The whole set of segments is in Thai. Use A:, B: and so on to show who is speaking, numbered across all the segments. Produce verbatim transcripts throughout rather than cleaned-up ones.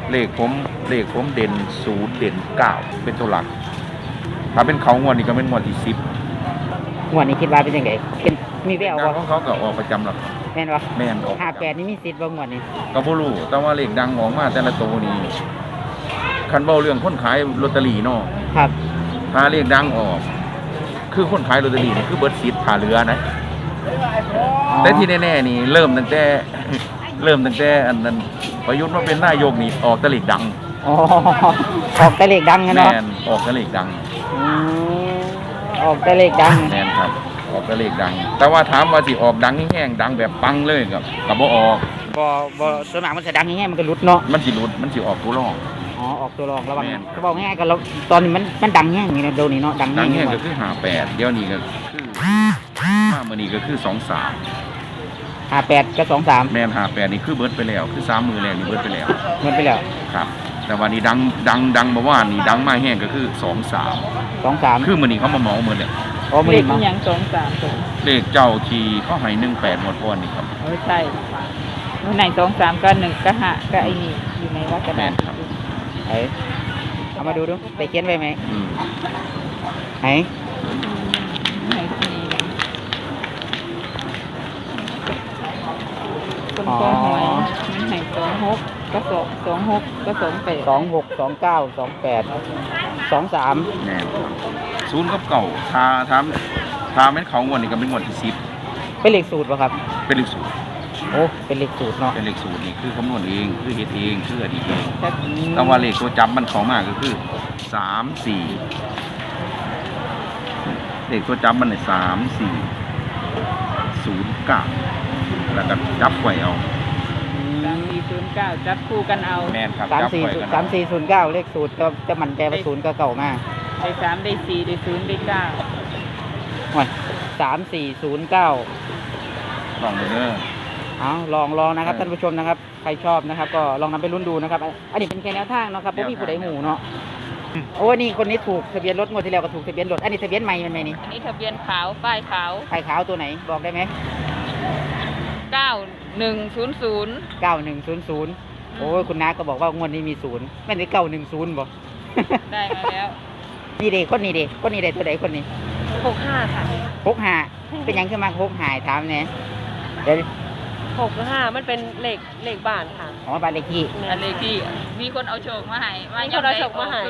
A: เลขผมเลขผมเด่นศูนย์เด่นเก้าเป็นตัวหลักถ้าเป็นเขางวดนี้ก็เป็นงวดที่สิบ
B: งวดนี้คิดว่าเป็นยังไงเป็นมีแวว
A: ดั
B: บ่
A: งของเขาก็ออกประจำหลัก
B: แม่นบ่
A: แม่นออก
B: ห้าแปดนี่มีสิทธิ์บ่งวดนี้
A: ก็บ่รู้แต่ว่าเลขดังออกมาแต่ละตัวนี้คันเว้าเรื่องคนขายลอตเตอรี่เนาะ
B: ครับ
A: ถ้าเลขดังออกคือคนขายลอตเตอรี่นี่คือเบิดสิทธิ์ผ่าเรือนะแต่ที่แน่ๆนี่เริ่มตั้งแต่เริ่มตั้งแต่อันนั้นประยุทธ์มาเป็นนายกนี่ออกแต่เลขดัง
B: อ๋อออกแต่เลขดังเนาะ
A: แม่นออกแต่เลขดัง
B: อืมออกแต่เลขดัง
A: แม่นครับออกแต่เลขดังแต่ว่าถามว่าสิออกดังแห้งๆดังแบบปังเลยก็ก็บ่ออก
B: บ่บ่ส่วนมากมันจะดังแห้งมันก็หลุดเนาะ
A: มันสิหลุดมันสิออกตัวรอง
B: อ๋อออกตัวรองระวังก็บอกง่ายๆก็ตอนนี้มันมันดังแห้งนี่นะเดี๋ยวนี้เนาะดังแห้ง
A: ก็คือห้าแปดเดี๋ยวนี้ก็คือมามื้อนี้ก็คือสองสาม
B: ห้าแปดกับสองสาม
A: แม่นห้าแปดนี่คือเบิดไปแล้วคือสามมื้อแรกนี่เบิดไปแล้ว
B: เบิดไปแล้ว
A: ครับแต่วันนี้ดังดังดังบ่ว่านี่ดังมาแห้งก็คือสองสาม
B: สองสาม
A: คือมื้อนี้เขามาเหมาหมดแล้ว
B: อ๋อมื้อนี้มั้ง
C: ยังสองสาม
A: เลขเจ้าที่เขาให้หนึ่งแปดหมดก่อนนี่ครับ
C: เออใช่มื้อไหนสองสามก็หนึ่งก็ห้าก็ไอ้นี่อยู่ในวัดกระดาษ
A: ครับ
B: เอ้เอามาดูดูไปเขียนไว้ไหม
A: อืม
B: ไหน
C: คนก็หวยมันให้สองหกก็สองสองหกก็สองแปด
B: สองหกสองเก้าสองแปดสองสาม
A: แน่ครับศูนย์กับเก่าทาทามทาแม่นเขางวดนี่ก็เป็นงวดที่สิบ
B: เป็นเลขสูตรป่ะครับ
A: เป็นเลขสูตร
B: โอ้เป็นเลขสูตรเนาะ
A: เป็นเลขสูตรนี่คือคำนวณเองคือเฮ็ดเองคืออดีตเองแต่ว่าเลขตัวจับมันเข้ามาก็คือสามสี่เลขตัวจับมันเนี่ยสามสี่ศูนย์เก้าแล้วก็จับไว้เอา
C: สามสี่ศูนย์เก้าจับคู่กันเอา
A: แม่นครับ
B: สามสี่สามสี่ศูนย์เก้าเลขสูตรก็จะมันใจว่าศูนย์ก็เก่ามาก
C: ได้สามได้สี่ได้ศูนย์ได้เก้า
B: วันสามสี่ศูนย์เก้า
A: ลองดูเด้อ
B: เอาลองลองนะครับท่านผู้ชมนะครับใครชอบนะครับก็ลองนำไปลุ้นดูนะครับอันนี้เป็นแค่แนวทางเนาะครับเพราะมีผู้ใดหูเนาะโอ้นี่คนนี้ถูกทะเบียนรถงวดที่แล้วก็ถูกทะเบียนรถอันนี้ทะเบียนใหม่มันไหมนี่
C: อันนี้ทะเบียนขาวป้ายขาว
B: ป้ายขาวตัวไหนบอกได้ไหม
C: เก้าหนึ่งศูนย์ศูนย์
B: เก้าหนึ่งศูนย์ศูนย์โอ้ยคุณน้าก็บอกว่างวดนี้มีศูนย์ไม่ได้เก้าหนึ่งศูนย์บอก
C: ได้มาแล้ว
B: นี่เด็กคนนี้เด็กคนนี้เด็กตัวไหนคนนี้
C: หกห้าค่ะ
B: หกห้าเป็นยังขึ้นมาหกหายถามเนี่ยเดี๋ยว
C: หกห้ามันเป็นเลขเลขบ้านค่ะ
B: อ๋อบ้านเลขที่
C: เลขที่มีคนเอาโชคมาให้มีคนเอาโชคมาให้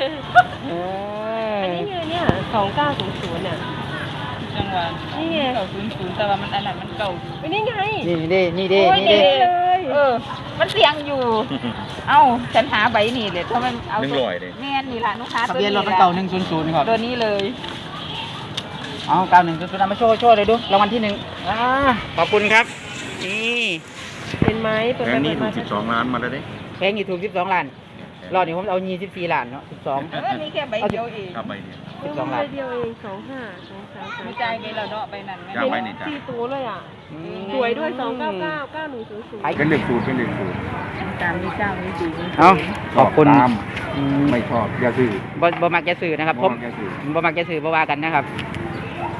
C: อันนี้ไงเนี่ยสองเก้าศูนย์ศูนย์เนี่ยจังหวะนี่ไงเก้าศูนย์ศูนย์แต่ว่ามันอันนั้นมันเก่าไม่นี่ไง
B: นี่เด้นี่เด้นี่เด้
C: เลยเออมันเสียงอยู่เอ้าฉันหาใบนี่เลยถ้ามันเอาแม่นี่ละลูกค้า
B: ทะเบียนรถเก่าหนึ่งศูนย์ศูนย์ครับ
C: ตัวนี้เลย
B: เอาเก้าหนึ่งศูนย์ศูนย์เอามาโชว์โชว์เลยดูรางวัลที่หนึ่งอ่าขอบคุณครับนี่
C: เป็นไม้
A: ตัวนี้ถูกสิบสองล้านมาแล้วดิ
B: แพงอยู่ถูกสิบสองล้านรอดนี่ผมเอายี่สิบสี่ล้านเนาะสิบสอง
C: เออนี่แค่ใบเดียวเอง
A: ครับใบเดียว
B: สิบสองล้าน
C: ใบเดียวเองสองห้าสองสามไม่ใจไปแล้วเนาะใบนั้นไม่สี่ตัวเลยอ่ะสวยด้วยสองเก้าเก้าเก้าหนึ่งศูนย์ศูนย์
A: เป็นเลขสูตรเป็นเลขสูตร
C: ตามนี้เจ้านี้สูตร
B: เอาขอบคุณ
A: ไม่ชอบอย่าซื้อ
B: บ่บ่มักจะซื้อนะครับผมบ่มักจะซื้อบ่ว่ากันนะครับ